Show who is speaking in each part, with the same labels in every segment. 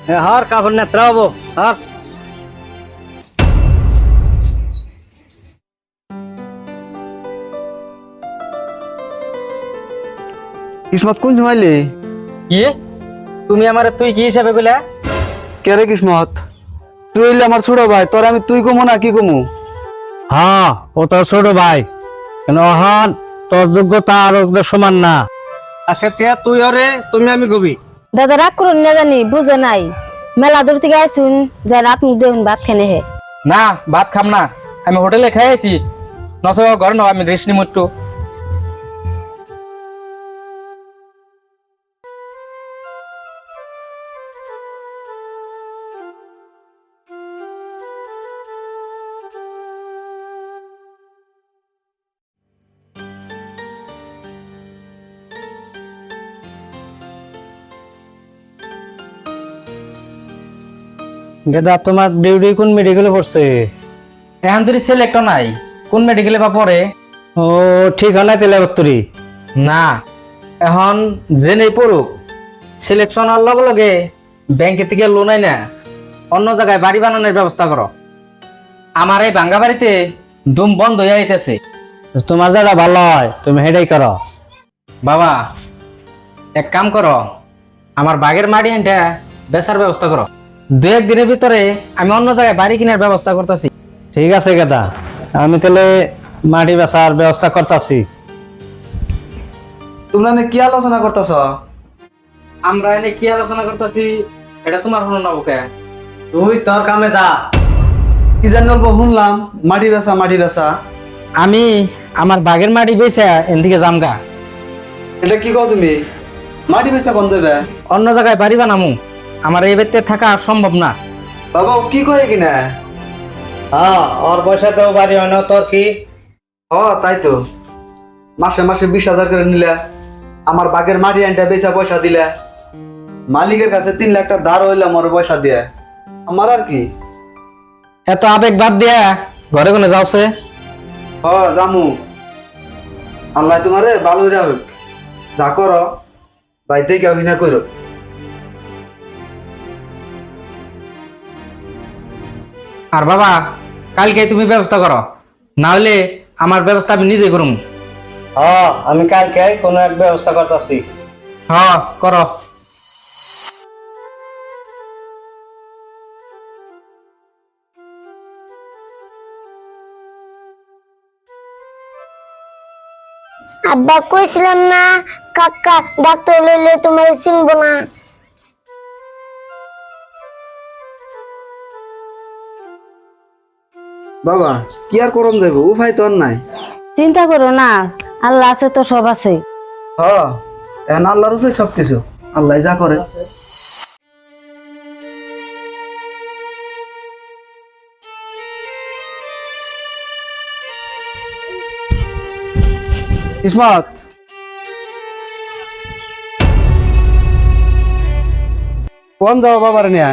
Speaker 1: হার কাপড় নেত্রা হবো হার
Speaker 2: কিসমত কোন জমাইলি?
Speaker 3: কি তুমি আমার তুই কি হিসাবে কইলা?
Speaker 2: কে রে কিসমত? তুই হইলে আমার ছোট ভাই, তোর আমি তুই কমু না কি কমু?
Speaker 1: হ্যাঁ ও তোর ছোট ভাই, কিন্তু অহন তোর যোগ্যতা আর ওদের সমান না। আজকে তে তুই ওরে তুমি আমি কবি।
Speaker 4: দাদা রাগ করুন না, জানি বুঝে নাই মেলা দূর থেকে আইসুন, যাই রাত মুখ দেউন ভাত খেনে হে।
Speaker 3: না ভাত খাম না, আমি হোটেলে খাই আছি। নস ঘর ন, আমি রেস্ট নিম একটু।
Speaker 1: গেদা তোমার ডিউটি কোন মেডিকেলে পড়ছে?
Speaker 3: এখন তোর ছেলে একটা নাই, কোন মেডিকেলে বা পড়ে?
Speaker 1: ও ঠিক হয় না তেলে বত্তরি
Speaker 3: না এখন যে নেই পড়ুক, সিলেকশন হওয়ার লগে লগে ব্যাংকে থেকে লোন আই না অন্য জায়গায় বাড়ি বানানোর ব্যবস্থা করো। আমার এই ভাঙ্গা বাড়িতে দুম বন্ধ হয়ে আইতেছে।
Speaker 1: তোমার যেটা ভালো হয় তুমি সেটাই করো।
Speaker 3: বাবা এক কাম করো, আমার বাগের মাটি হাঁটা বেচার ব্যবস্থা করো। দু একদিনের ভিতরে আমি অন্য জায়গায় বাড়ি কেনার ব্যবস্থা করতেছি।
Speaker 1: ঠিক আছে গেদা, আমি তাহলে মাটি বেচার ব্যবস্থা করতেছি।
Speaker 2: তোমরা নে কি আলোচনা করতেছ?
Speaker 3: আমরা এনে কি আলোচনা করতেছি এটা তোমার হলো না ওকে?
Speaker 1: তুই তোর কামে যা।
Speaker 2: কি জানি অল্প শুনলাম মাটি বেচা মাটি বেচা।
Speaker 3: আমি আমার বাগের মাটি বেচে এদিকে জামগা।
Speaker 2: এটা কি কও তুমি? মাটি বেচা কোন যাবে?
Speaker 3: অন্য জায়গায় বাড়ি বানামু, আমার এই বাড়িতে থাকা সম্ভব না।
Speaker 2: বাবা ও কি কয় কিনা?
Speaker 1: হ্যাঁ ওর পয়সাতেও বাড়ি হয় না, তোর কি?
Speaker 2: তাই তো, মাসে মাসে 20,000 করে নিলে, আমার বাগের মাটি আনটা বেচা পয়সা দিলে, মালিকের কাছে 3 লাখ টাকা ধার হইলাম ওর পয়সা দিয়ে। আমার আর কি?
Speaker 3: এত আবেগ বাদ দিয়া ঘরে কোনে যাওছে।
Speaker 2: জামু, আল্লাহ তোমারে ভালো হইরা হোক। যা করো বাইতে কেউ না করো।
Speaker 3: আর বাবা কালকে তুমি ব্যবস্থা করো, না হলে আমার ব্যবস্থা আমি নিজেই করুম।
Speaker 1: হ্যাঁ আমি কালকে কোনো এক ব্যবস্থা করতেছি।
Speaker 3: হ্যাঁ করো।
Speaker 5: আব্বা কইছিলাম না কাকা ডাক্তার লইলে তোমার চিনবো না।
Speaker 2: বাবা কি আর করন যাবো, উপায় তো আর নাই।
Speaker 4: চিন্তা করো না, আল্লাহ আছে তো সব আছে।
Speaker 2: এখন আল্লাহর উপরে সবকিছু, আল্লাহ যা করে। ইসমত কোন যাও বাবার নিয়ে?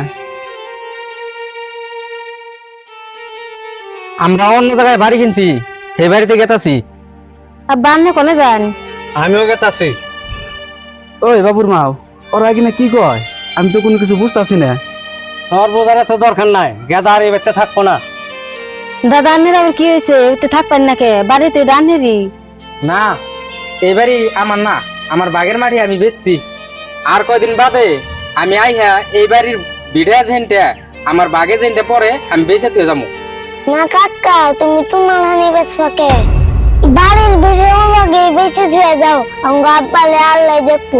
Speaker 3: আমরা অন্য জায়গায় বাড়ি কিনছি, সেই বাড়িতে গেতাছি।
Speaker 4: আব্বা আপনি কোনে যান?
Speaker 1: আমিও গেতাছি।
Speaker 2: ওই বাবুর মাও ওরা কিনা কি কয়? আমি তো কোনো কিছু বুঝতেছি না।
Speaker 1: তোর বোঝার তো দরকার নাই, গেদা আর এই বাড়িতে থাকবো না।
Speaker 4: দাদা আপনার আবার কি হয়েছে? এতে থাকবেন না কে? বাড়িতে ডানেরই।
Speaker 3: না এই বাড়ি আমার না, আমার বাগের মাটি আমি বেচছি। আর কয়দিন বাদে আমি আইহা এই বাড়ির বিড়া জেনটা আমার বাগে জেনটা পরে আমি বেঁচে থুয়ে যাবো।
Speaker 5: না কাকা তুমি তোমার হানি বেচবাকে বাড়ির বেজে লাগে বেঁচে ধুয়ে যাও, আমার আব্বালে আল্লাহ দেখবো।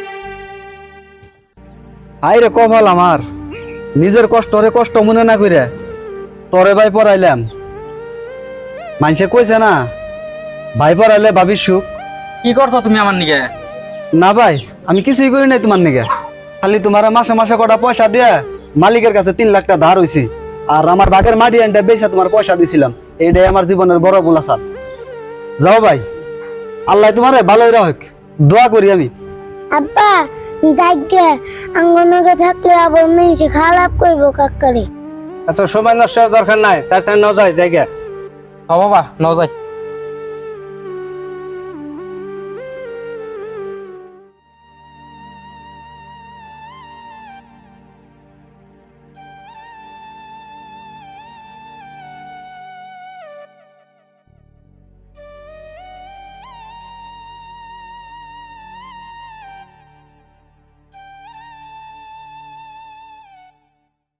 Speaker 2: হাই রে কপাল আমার, নিজের কষ্টরে কষ্ট মনে না করে তরে ভাই পড়াইলাম। মানুষে কইছে না ভাই পড়াইলে ভাবির সুখ।
Speaker 3: কি করছো তুমি আমার নিকে?
Speaker 2: না ভাই আমি কিছুই করি নাই তোমার নিকে, খালি তোমার মাসে মাসে কটা পয়সা দিয়ে মালিকের কাছে 3 লাখ টাকা ধার হইছি, আর আমার বাগের মাটি আনটা বেচা তোমার পয়সা দিছিলাম। এইটাই আমার জীবনের বড় ভুল আছে। যাও ভাই, আল্লাহ তোমারে ভালো হইরা হোক, দোয়া করি আমি।
Speaker 5: আব্বা যাইগে আঙ্গনকে থাকলে আবার মেয়েছে খারাপ করবো কাকারে।
Speaker 1: এত সময় নষ্ট দরকার নাই, তার সাথে ন যায় জায়গা।
Speaker 3: হ বাবা ন যাই।